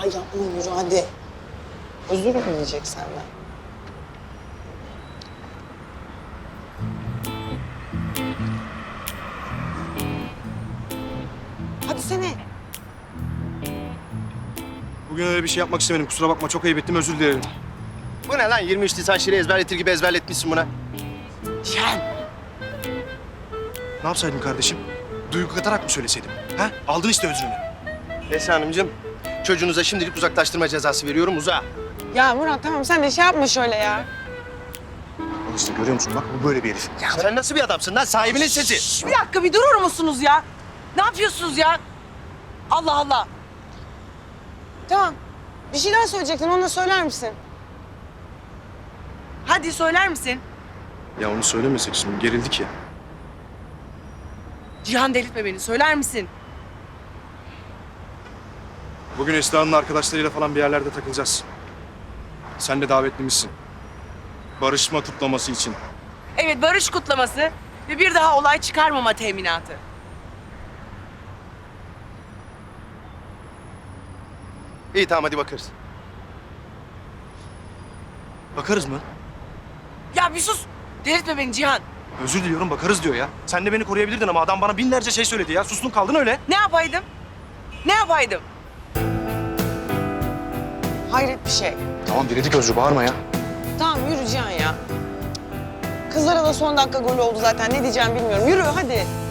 yapma yürü hadi. Özür mü dileyecek senden? Hadi sene. Bugün öyle bir şey yapmak istemedim. Kusura bakma, çok ayıp ettim, özür dilerim. Bu ne lan? 23 Nisan şiiri ezberletir gibi ezberletmişsin buna. Cihan. Ne yapsaydım kardeşim? Duygu katarak mı söyleseydim? Ha? Aldın işte özrünü. Esra Hanımcığım, çocuğunuza şimdilik uzaklaştırma cezası veriyorum. Uza. Ya Murat tamam sen de şey yapma şöyle ya. Al işte, görüyor musun? Bak bu böyle bir herif. Ya sen nasıl bir adamsın lan? Sahibinin sesi. Şş, bir dakika bir durur musunuz ya? Ne yapıyorsunuz ya? Allah Allah. Tamam. Bir şeyler söyleyecektin onu da söyler misin? Hadi söyler misin? Ya onu söylemesek şimdi, gerildik ya. Cihan delirtme beni. Söyler misin? Bugün Esra'nın arkadaşlarıyla falan bir yerlerde takılacağız. Sen de davetlimizsin. Barışma kutlaması için. Evet, barış kutlaması ve bir daha olay çıkarmama teminatı. İyi tamam hadi bakarız. Bakarız mı? Ya bir sus. Delirtme beni Cihan. Özür diliyorum, bakarız diyor ya. Sen de beni koruyabilirdin ama adam bana binlerce şey söyledi ya. Sustun kaldın öyle. Ne yapaydım? Ne yapaydım? Hayret bir şey. Tamam diledik Özrü, bağırma ya. Tamam yürü Cihan ya. Kızlara da son dakika golü oldu zaten. Ne diyeceğim bilmiyorum. Yürü hadi.